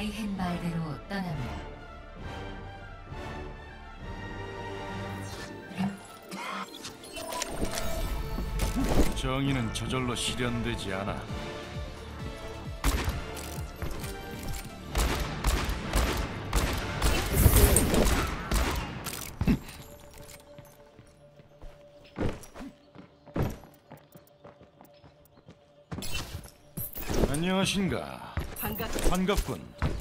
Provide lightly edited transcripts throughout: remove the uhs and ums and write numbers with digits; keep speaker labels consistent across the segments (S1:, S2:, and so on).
S1: 아이헨발대로 떠납니다.
S2: 정의는 저절로 실현되지 않아. 안녕하신가. 반갑군.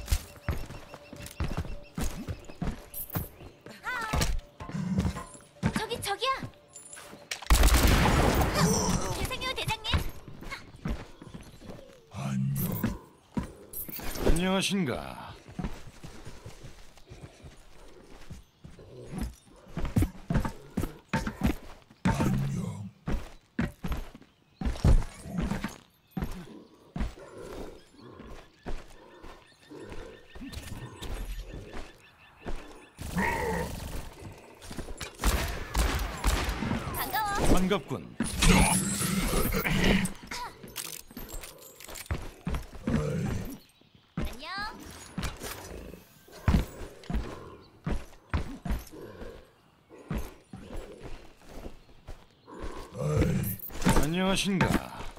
S3: 저기야. 죄송해요, 대장님.
S2: 안녕하신가. 반갑군.
S3: 안녕.
S2: 안녕하신가.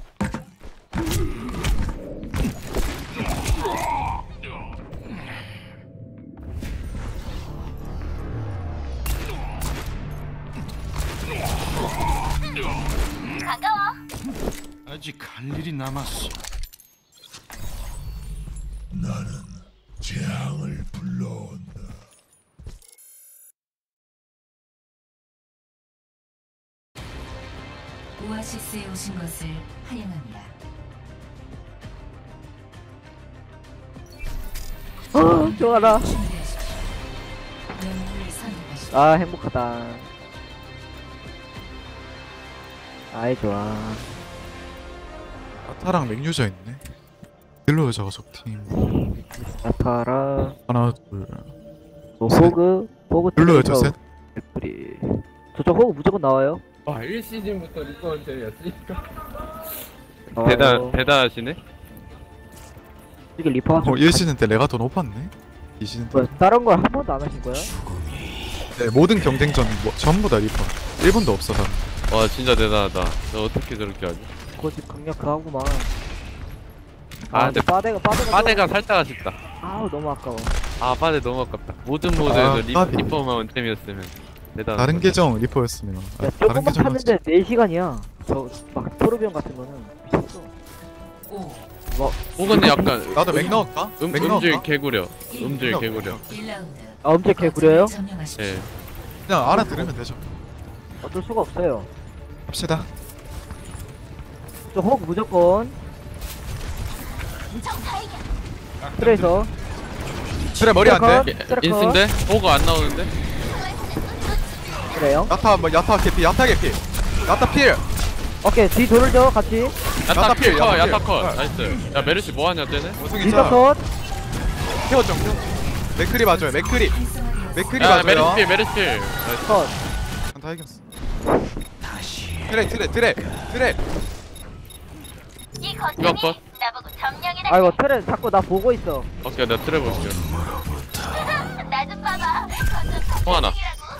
S3: 반가워.
S2: 아직 할 일이 남았어.
S4: 나는 재앙을 불러온다.
S1: 오아시스에 오신 것을 환영합니다.
S5: 좋아라.
S1: 준비하십시오. 영웅을 선택하십시오.
S5: 아, 행복하다. 아이, 좋아.
S6: 아타랑 맥유저 있네. 딜러 여자가 적팀.
S5: 나타라,
S6: 하나 둘.
S5: 호그
S6: 딜러 여자 셋.
S5: 애플이. 저쪽 호그 무조건 나와요.
S7: 와 1시즌부터 리퍼한테였으니까 대단하시네.
S5: 이게 리퍼가
S6: 어 1시즌 때 내가 더 높았네. 2시즌 때.
S5: 뭐야, 다른 걸 한 번도 안 하신 거야?
S6: 네, 모든 경쟁전 뭐, 전부 다 리퍼. 1번도 없어 다.
S7: 와 진짜 대단하다. 너 어떻게 저렇게 하지?
S5: 그거지 강력하구만.
S7: 아, 근데 빠데가 살짝 아쉽다.
S5: 아우, 너무 아까워.
S7: 아 빠데 너무 아깝다. 모든
S6: 아,
S7: 모드에서
S6: 까비.
S7: 리퍼만 템이었으면 대단.
S6: 다른 계정 리퍼였으면.
S5: 야,
S6: 다른
S5: 조금만
S6: 계정
S5: 탔는데 4시간이야. 저 막 토르비온 같은 거는 미쳤어.
S1: 5,
S7: 혹은 약간
S6: 나도 맥 넣을까? 맥
S7: 음질
S6: 넣을까?
S7: 개구려.
S1: 1,
S7: 음질 개구려.
S1: 1라운드.
S5: 아, 엄청 개구려요?
S1: 점령하십시오.
S7: 예.
S6: 그냥 알아들으면 되죠.
S5: 어쩔 수가 없어요.
S6: 합시다.
S5: 저 호그 무조건. 트레이서.
S6: 그래 머리 안 돼.
S7: 인스인데? 호그 안 나오는데?
S5: 그래요.
S6: 야타 뭐 야타 개피 야타 개피. 야타 필.
S5: 오케이, 뒤 돌죠, 같이.
S7: 야타 필,
S6: 야타 필.
S7: 야타 컷. 나이스. 야 메르시 뭐하냐 쟤네?
S6: 원숭이
S5: 리더
S6: 자.
S5: 컷.
S6: 태워 좀. 맥크리 봐줘요. 맥크리. 맥크리
S7: 야
S6: 봐줘요.
S7: 메르시 필. 나이스.
S5: 컷.
S6: 다 이겼어. 트레.
S3: 이
S7: 이거
S3: 거점이
S7: 컷.
S3: 나보고 점령이라.
S5: 아이고, 트레 자꾸 나 보고 있어.
S7: 오케이 내가 트레 볼게.
S3: 나 좀 봐봐. 거점
S7: 통하나.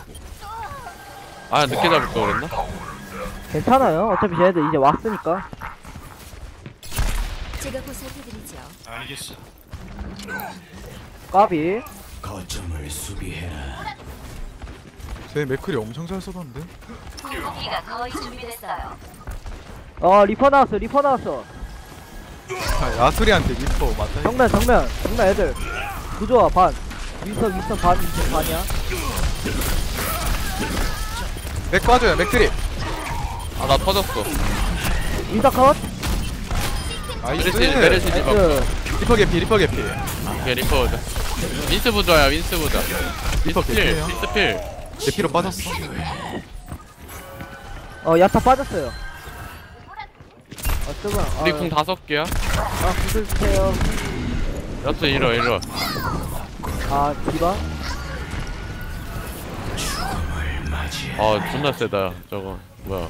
S7: 아 늦게 잡을 거 그랬나?
S5: 괜찮아요. 어차피 쟤네들 이제 왔으니까.
S3: 제가 보살펴드리죠.
S2: 알겠어.
S5: 까비.
S6: 제 맥크리 엄청 잘 쏘던데.
S3: 궁극기가 거의 준비됐어요.
S5: 리퍼 나왔어.
S6: 아, 야수리한테 리퍼 맞다.
S5: 정면 애들. 구조화 반. 윈선 반, 윈선 반이야.
S6: 맥 빠져요. 맥크리.
S7: 아 나 터졌어.
S5: 윈선 컷.
S6: 나이스.
S7: 메르시 디바.
S5: 나이스.
S6: 리퍼 개피.
S7: 오케이 리퍼 보자. 윈스 부자야 윈스 부자.
S6: 리퍼
S7: 필
S6: 개피예요.
S7: 윈스 필.
S6: 개피로 빠졌어.
S5: 야타 빠졌어요. 뜨거워.
S7: 우리 궁 5개야.
S5: 구슬 주세요.
S7: 야스 이리 와.
S5: 디바.
S7: 아 존나 세다 저거. 뭐야.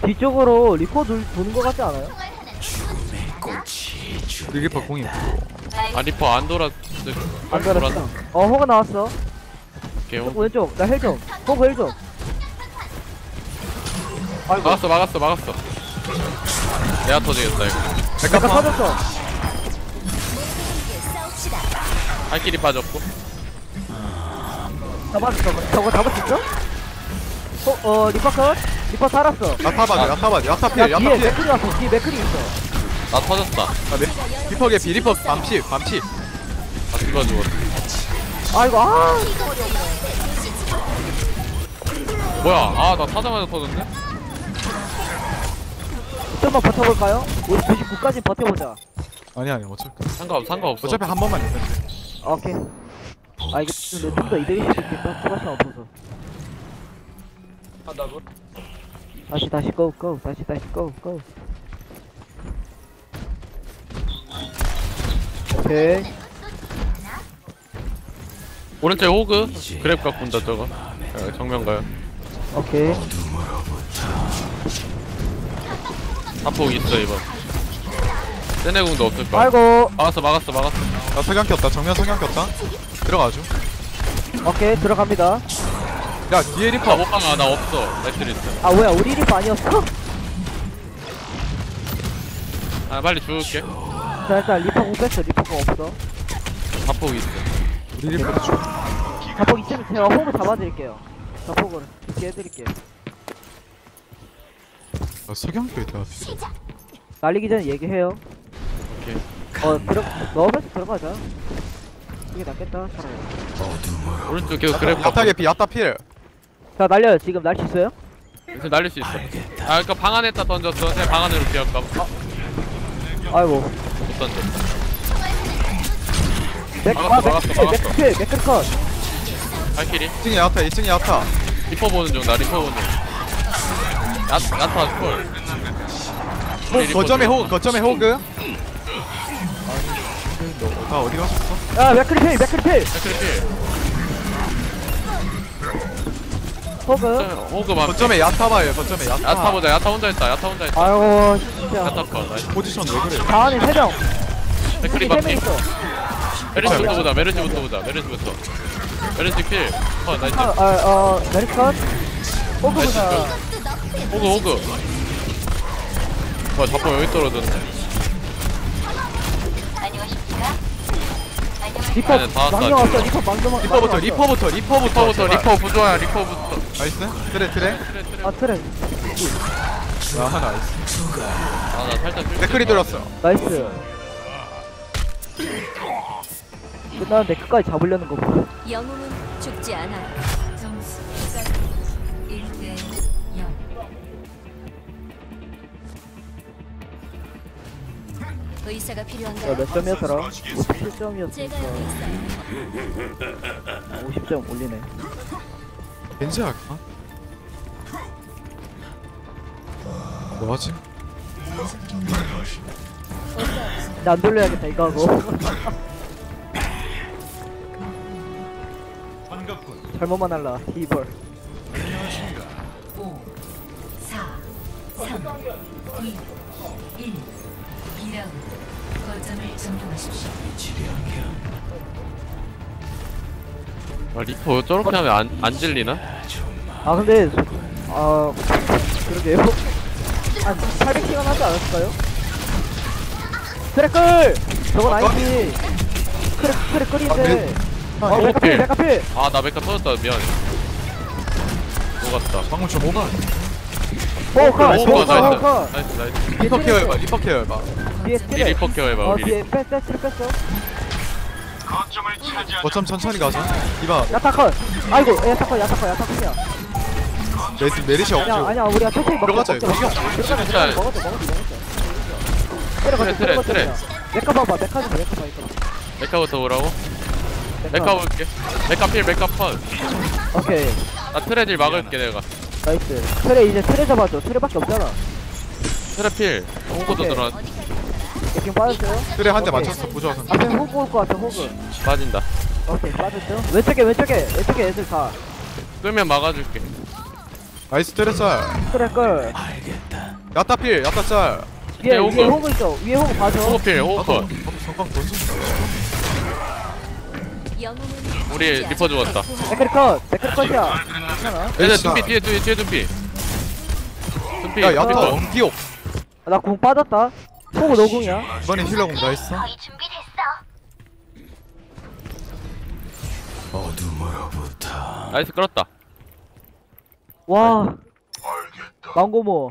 S5: 뒤쪽으로 리퍼 도는 거 같지 않아요?
S6: 리퍼 공이 있고.
S7: 아 리퍼 안 돌아.
S5: 안 걸었어. 호그 나왔어.
S7: 오케이.
S5: 왼쪽 나 헬 좀. 호그 헬 좀. 아이고.
S7: 막았어. 내가 터지겠다 이거.
S5: 내가 터졌어.
S7: 발길이 빠졌고.
S5: 잡았어. 저거 잡을 수 있어? 리퍼 컷? 리퍼 살았어.
S6: 야타바디
S5: 야
S6: 야타필
S5: 뒤에
S6: 야타필.
S5: 맥클이 왔어. 뒤에 맥클이 있어.
S7: 나 터졌다.
S6: 리퍼 개피 리퍼 밤치.
S7: 아 누가 죽었어.
S5: 아이고
S7: 뭐야? 아 나 타자마자 터졌네.
S5: 좀만 버텨볼까요? 우리 99까지 버텨보자.
S6: 아니야 어차피
S7: 상관없어.
S6: 어차피 한 번만 있는데.
S5: 오케이. 이게 좀더 이득일 수도 있겠다. 추가시간 없어서. 다시 고. 다시 고. 오케이.
S7: 오른쪽에 호그. 그랩 갖고 온다 저거. 정면 가요.
S5: 오케이.
S7: 사폭 있어 이번. 세네궁도 없을 거야.
S5: 아이고.
S7: 막았어.
S6: 나 석양 꼈다 정면 석양 꼈다. 들어가죠.
S5: 오케이 들어갑니다.
S6: 야 뒤에 리퍼.
S7: 못 막아. 나 없어. 매트리스.
S5: 뭐야 우리 리프 아니었어?
S7: 아 빨리 죽을게.
S5: 자 일단 리퍼 공 뺐어. 리퍼가 없어.
S7: 사폭 있어.
S6: 우리 리퍼도 줘.
S5: 자폭 있으면 제가 호구 잡아드릴게요. 자폭을 이렇게 해드릴게요.
S6: 석양 껴있다.
S5: 날리기 전에 얘기해요.
S7: 오케이.
S5: 넣으면서 들어가자. 이게 낫겠다. 차라리.
S7: 오른쪽 계속 그랩
S6: 야타
S7: 갖고.
S6: 개피 야타필.
S5: 자 날려요. 지금 날 수 있어요?
S7: 지금 날릴 수 있어. 그니까 방 안에다 던졌어. 그냥 방 안으로 기어가.
S5: 아이고.
S7: 못 던졌어. 막았어.
S5: 맥클 컷.
S7: 발길이.
S6: 2층에 야타.
S7: 리퍼 보는 중. 나 리퍼 보는 중. 야타 콜.
S6: 거점에 호그. 다 어디 가셨어?
S5: 야 맥클 필.
S7: 발길이.
S5: 호그.
S7: 호그 만.
S6: 거점에 야타 봐요. 거점에 야타.
S7: 야타 보자. 야타 혼자 있다.
S5: 아이고 진짜.
S7: 야타 컷. 나이스.
S6: 포지션 왜 그래?
S5: 다 안에 3명.
S7: 백크리
S5: 3명
S7: 반피.
S5: 있어.
S7: 메르시부터 보자. 메르시 필. 나이스.
S5: 메리스 컷. 호그 보자.
S7: 호그. 자꾸 여기 떨어졌네.
S3: 안녕하십니까?
S5: 리퍼
S7: 아니, 다 왔어,
S5: 망령
S7: 아직.
S5: 왔어.
S6: 리퍼부터.
S7: 리퍼 부조야. 리퍼부터.
S6: 나이스. 트레.
S5: 트랙.
S6: 나이스.
S7: 나 살짝
S6: 댓글이 들었어.
S5: 나이스. 끝나는데 끝까지 잡으려는 거 봐.
S3: 영웅은 죽지 않아요.
S1: 점수 1대 0.
S3: 의사가 필요한가요?
S5: 몇 점이었더라? 57점이었으니까
S3: 제가 여기 있어요.
S5: 50점 올리네.
S6: 벤지 할까? 뭐하지?
S5: 나 안 돌려야겠다 이거 하고.
S2: 반갑군.
S5: 잘못만 할라 히벌.
S1: 5, 4, 3, 2, 1. 2라운드. 거점을 점령하십시오.
S7: 리퍼 저렇게 하면 안 질리나?
S5: 근데 그러게요. 한 800시간 하지 않았을까요? 트래클! 저건 아니지. 트래클인데. 메카필.
S7: 나 메카 터졌다. 미안해. 녹았다.
S6: 방금 좀 오바.
S5: 호카.
S7: 나이스.
S6: 리퍼 케어해봐.
S5: 뒤에
S7: 이
S5: 스틸.
S7: 리퍼 케어해봐 우리.
S5: 뒤에 뺐어.
S6: 거점 천천히 가자. 이봐.
S5: 야타컷. 아이고 야타컷이야.
S6: 메리시 없죠?
S5: 아니야 우리가 천천히
S6: 들어가자, 이거.
S5: 먹었어.
S7: 트레.
S5: 메카 봐봐. 메카 좀 이거.
S7: 메카부터 오라고? 메카 볼게. 메카 필 메카 펀.
S5: 오케이.
S7: 나 트레딜 막을게 내가.
S5: 나이스. 트레 이제 트레 잡아줘. 트레밖에 없잖아.
S7: 트레 필. 호구도
S5: 오케이.
S7: 들어.
S5: 지금 빠졌어요?
S6: 그래 한 대
S5: 오케이.
S6: 맞췄어. 부조화 선수.
S5: 앞에 호그 올 것 같아. 호그.
S7: 빠진다.
S5: 오케이 빠졌죠? 왼쪽에 애들 다.
S7: 끌면 막아줄게.
S6: 나이스 트레 짤.
S5: 트레 끌.
S6: 야타필 야타 짤.
S5: 위에
S7: 호그.
S5: 호그 있어. 위에 호그 봐줘.
S7: 호그필 호그.
S6: 성광 던져.
S3: 영웅은
S7: 우리
S3: 죽지
S7: 리퍼
S3: 않아.
S7: 죽었다.
S5: 맥크리 컷이야. 괜찮아.
S7: 얘들 둠피 뒤에 둠피. 둠피.
S6: 야 야타
S7: 리퍼.
S6: 엉기옥.
S5: 나 공 빠졌다. 호그 노공이야.
S6: 이번엔 힐러공 다 했어.
S4: 어둠으로부터
S7: 나이스 끌었다.
S5: 와. 망고모.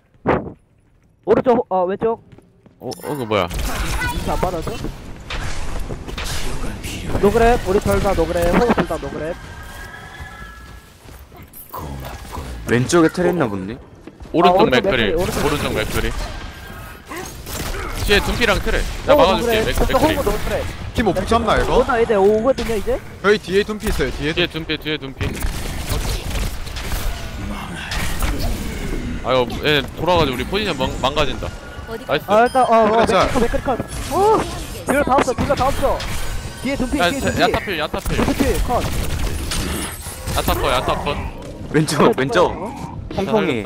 S5: 오른쪽 왼쪽.
S7: 그 뭐야?
S5: 인사 안 받아줘? 노그랩 우리 둘다 노그랩 호그 둘다 노그랩.
S8: 왼쪽에 틀 있나 본데?
S7: 오른쪽
S5: 오른쪽
S7: 맥크리.
S5: 맥크리,
S7: 오른쪽 맥크리. 뒤에 둠피랑 트레. 나 막아줄게. 맥크리.
S5: 호그 노그랩.
S6: 팀 오프 잡나 이거?
S5: 오나 이제 오거든요 이제.
S6: 저희 뒤에 둠피 있어요. 뒤에
S7: 뒤에 둠피. 아유, 얘 돌아가지고 우리 포지션 망가진다.
S3: 어디
S7: 나이스.
S5: 일단
S6: 그렇죠.
S5: 맥크리 컷. 뒤로 다 없어. 뒤에 둠피
S7: 야,
S5: 뒤에 둠피.
S7: 야타필.
S5: 둠피 컷.
S7: 야타컷.
S8: 왼쪽 펑펑이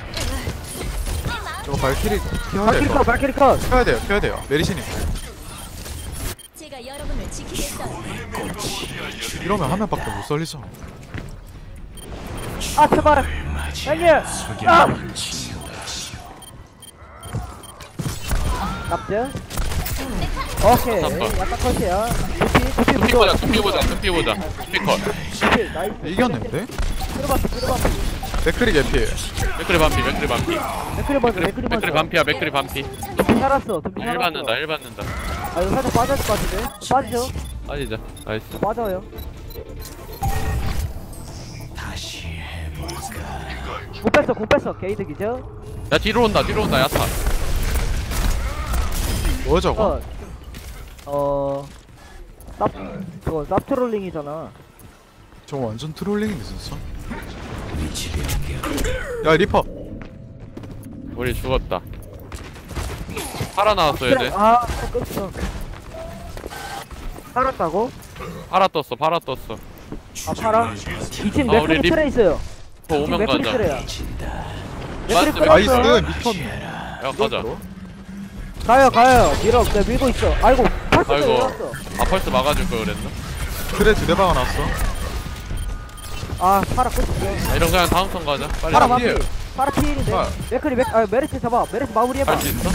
S6: 저거 발키리 피해야
S5: 발키리
S6: 돼요.
S5: 컷 발키리 컷.
S6: 피해야 돼요. 메리시님.
S3: 제가 여러분을 지키겠어요.
S6: 이러면 한 명밖에 못 살리죠.
S5: 아 제발. 형님. 납죠? 오케이.
S7: 잠깐.
S5: 약간 컷이야. 둠피
S7: 둠피 보자. 둠피 컷.
S5: 둠피 나이스.
S6: 이겼는데?
S5: 들어봤어.
S6: 맥크리 개피.
S7: 맥크리 반피.
S5: 맥크리 먼저.
S7: 맥크리 반피야. 맥크리 반피.
S5: 둠피 살았어. 둠피
S7: 일
S5: 살았어.
S7: 받는다. 일 받는다.
S5: 아 이거 살짝 빠져야 될 것 같은데? 빠지죠?
S7: 빠지자. 나이스.
S5: 빠져요. 공 뺐어. 게이득이죠?
S7: 야, 뒤로 온다. 야타.
S6: 뭐 저거?
S5: 저거 쌉트롤링이잖아.
S6: 저거 완전 트롤링인데 진짜. 야 리퍼.
S7: 우리 죽었다. 팔아 나왔어, 얘들.
S5: 끝이어. 살았다고?
S7: 팔아 떴어.
S5: 팔아? 2층
S7: 우리
S5: 맥크리 트레 있어요.
S7: 더 오면
S5: 맥크리
S7: 가자.
S5: 트레야.
S7: 나이스,
S6: 나이스
S5: 끌었어요.
S6: 미쳤네.
S7: 야, 가자.
S5: 가요. 밀고 있어. 아이고, 펄스
S7: 아이고.
S5: 내려왔어.
S7: 펄스 막아줄 걸 그랬나?
S6: 그래 2대 박아놨어.
S5: 파라 끝이죠.
S7: 이런 그냥 다음 턴 가자. 빨리.
S5: 파라
S6: 피해.
S5: 마무리. 파라 피일인데.
S6: 아.
S5: 메르시 잡아. 메르시 마무리해봐.
S7: 할 수 있어?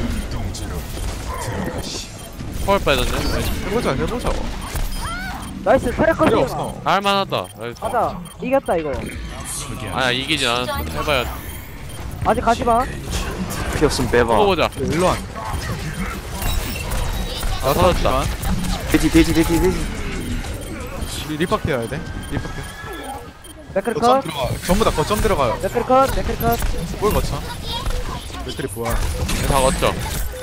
S7: 펄 빼졌네.
S6: 해보자.
S5: 나이스, 트랙
S6: 필요
S5: 컷이야.
S6: 없어.
S7: 할만하다. 나이스.
S5: 가자. 이겼다, 이거.
S7: 아야, 이기진 않았어. 해봐야.
S5: 아직 가지마.
S8: 피 없으면 빼봐.
S7: 보자.
S6: 일로 안.
S7: 나 터졌다.
S8: 돼지
S6: 리퍼 피해야 돼. 리퍼 피해.
S5: 맥크리
S6: 거점
S5: 컷.
S6: 들어가. 전부 다 거점 들어가요.
S5: 맥크리 컷.
S6: 뭘 거쳐? 맥크리 부활.
S7: 다 걷죠.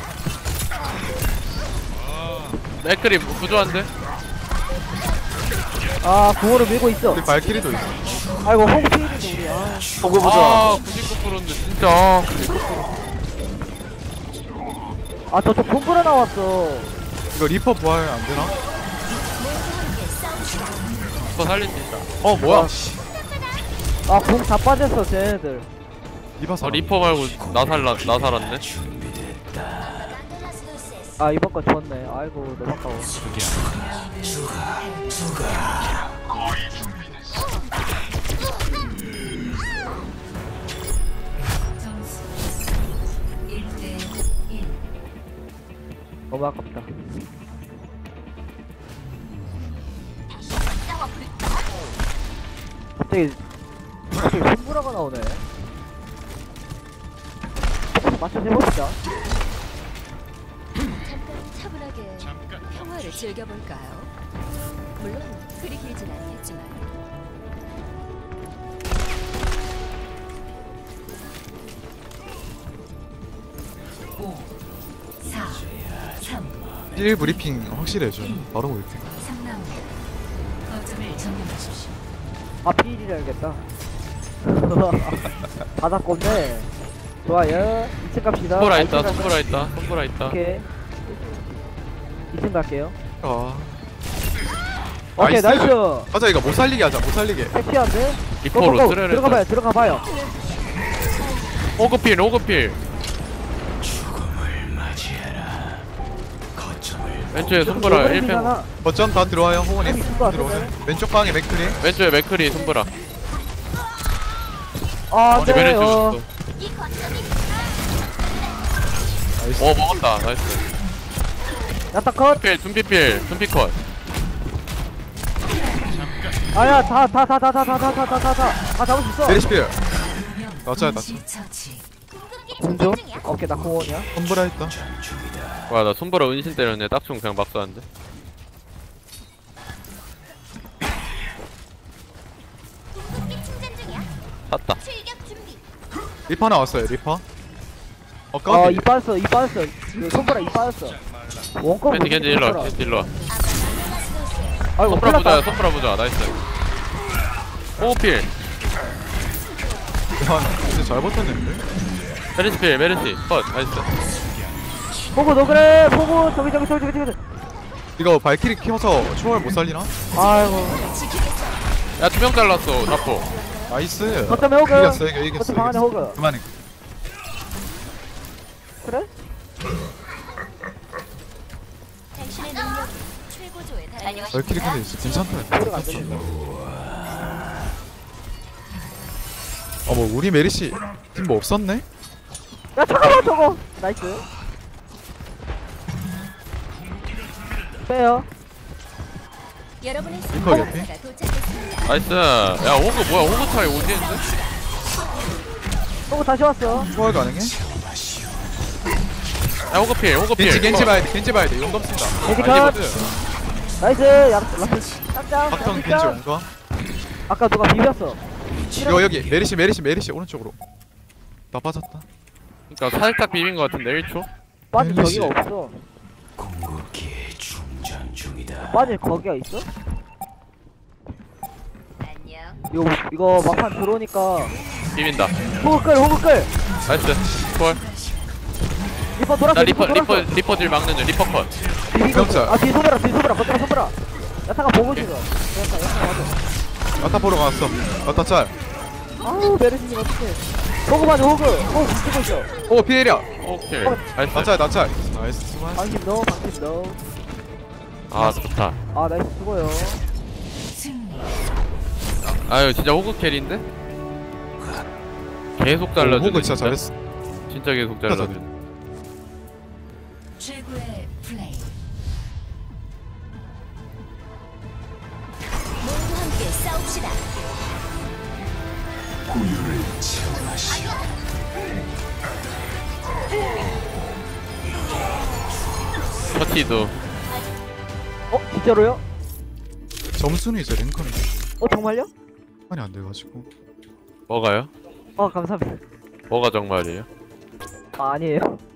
S7: 맥크리 부조한데?
S5: 공으로 밀고 있어.
S6: 우리 발키리도 있어.
S5: 아이고, 홍 피일인데, 우리.
S8: 호그 보자.
S7: 99%인데 진짜.
S5: 저쪽 동굴에 나왔어.
S6: 이거 리퍼 부활 안 되나?
S7: 더 살릴 수 있다.
S6: 뭐야?
S5: 공 다 빠졌어, 쟤네들.
S6: 리퍼 사.
S7: 리퍼 말고 나 살았네.
S5: 이번 거 좋았네. 아이고, 너무 아까워.
S1: 점수 1대 1.
S5: 너무 아깝다. 갑자기 손브라가 나오네. 맞춰 해봅시다.
S3: 차분하게 평화를 즐겨볼까요? 물론 그리 길진 않겠지만.
S1: 5, 4, 3,
S6: 1 브리핑 확실히 해줘. 바로 올게.
S1: 3라운드. 거점을 점령하십시오.
S5: 피일이라 해야겠다. 바닥건데. 좋아요. 2층 갑시다.
S7: 손보라 있다.
S5: 오케이. 2층 갈게요.
S6: 나이스.
S5: 오케이, 나이스.
S6: 가자 이거 못 살리게 하자. 못 살리게.
S5: 섹시한데?
S7: 리퍼로 트레를
S5: 들어가봐요.
S7: 호그필. 왼쪽에 손보라 1팽.
S5: 잖아
S6: 거점 다 들어와요. 호원이
S5: 손보라
S6: 들어오네. 왼쪽 방에 맥크리.
S7: 왼쪽에 맥크리 손보라.
S5: 아
S7: 우리 메르시
S5: 네.
S7: 오셨어. 먹었다. 나이스.
S5: 야타 컷.
S7: 필 둠피필 둠피컷.
S5: 아야 다 잡을 수 있어.
S6: 메리시필. 나짜야 나짜.
S1: 동시 처치.
S5: 공조. 오케이 나 공원이야.
S6: 손보라 했다.
S7: 와 나 손보라 은신 때렸네. 딱총 그냥 막 쐈는데. 샀다.
S6: 리퍼 나왔어요. 리퍼. 까비.
S5: 이 빠졌어. 이거 손보라 이 빠졌어. 원컵.
S7: 겐지 일로 겐지 일로.
S5: 아이고
S7: 손보라
S5: 큰일
S7: 보자.
S5: 났다.
S7: 손보라 보자. 나이스. 호필.
S6: 야, 진짜 잘 버텼는데.
S7: 메르시필 메르시 컷. 나이스.
S5: 보고 너 그래. 보고 저기.
S6: 이거 발키리 키워서 초월 못 살리나?
S5: 아이고.
S7: 야 2명 잘랐어. 자포.
S6: 나이스.
S5: 거점에 호그.
S6: 이겼어 이겼어.
S5: 거점 방 안에 호그.
S6: 그만해.
S5: 그래?
S3: 당신의 능력이 최고조에 달하는
S6: 발키리 근데 괜찮다.
S5: 소리가 안 들리네.
S6: 어머 우리 메리시 팀 뭐 없었네?
S5: 야 잠깐만 저거. 나이스. 빼요.
S3: 여러분의
S6: 리퍼 옆에?
S3: 승리가 도착했습니다.
S7: 나이스. 야 호그 뭐야? 호그 차이 오지는데?
S5: 보고 다시 왔어.
S6: 초월 가능해?
S7: 야 호그 필 호그 필.
S6: 겐지 봐야 돼. 겐지 봐야 돼. 용검 쓴다.
S5: 겐지
S6: 아,
S5: 컷.
S6: 이거드.
S5: 나이스. 야 라스. 짝짱.
S6: 박정 겐지
S5: 짝짱.
S6: 용검.
S5: 아까 누가 비볐어.
S6: 이거 여기 메리시 오른쪽으로. 나 빠졌다.
S7: 그러니까 살짝 비빈 거 같은데 1초.
S5: 빠질
S6: 멜리시.
S5: 저기가 없어.
S4: 궁극기 충전 중이다.
S5: 빠질 거기가 있어?
S3: 안녕.
S5: 이거 막판 들어오니까
S7: 비빈다.
S5: 호그 끌.
S7: 나이스. 콜.
S5: 리퍼 돌았어.
S7: 나 리퍼 딜 막는 중. 리퍼 컷.
S6: 병자.
S5: 아 뒤에 소브라. 거점에 소브라. 야타가 보고 있어. 야타 맞아.
S6: 아타 보러 갔어. 아타 짤.
S5: 아우 메르시님 어떡해. 호그 맞아 호그 붙이고 있어.
S6: 오 피해랴.
S7: 오케이. 나이스.
S6: 나 짤. 나이스 수고하셨어.
S5: 방심 넣어.
S7: 아 좋다.
S5: 아 나이스 수고요.
S1: 승리.
S7: 아유 진짜 호그 캐리인데? 계속 잘라주네.
S6: 호그 진짜 잘했어.
S7: 진짜 계속 잘라주네.
S1: 최고의 플레이.
S3: 모두 함께 싸웁시다.
S7: 터치도.
S5: 진짜로요?
S6: 점수는 이제 랭커는
S5: 정말요?
S6: 많이 안 돼가지고.
S7: 뭐가요?
S5: 감사합니다.
S7: 뭐가 정말이에요?
S5: 아니에요.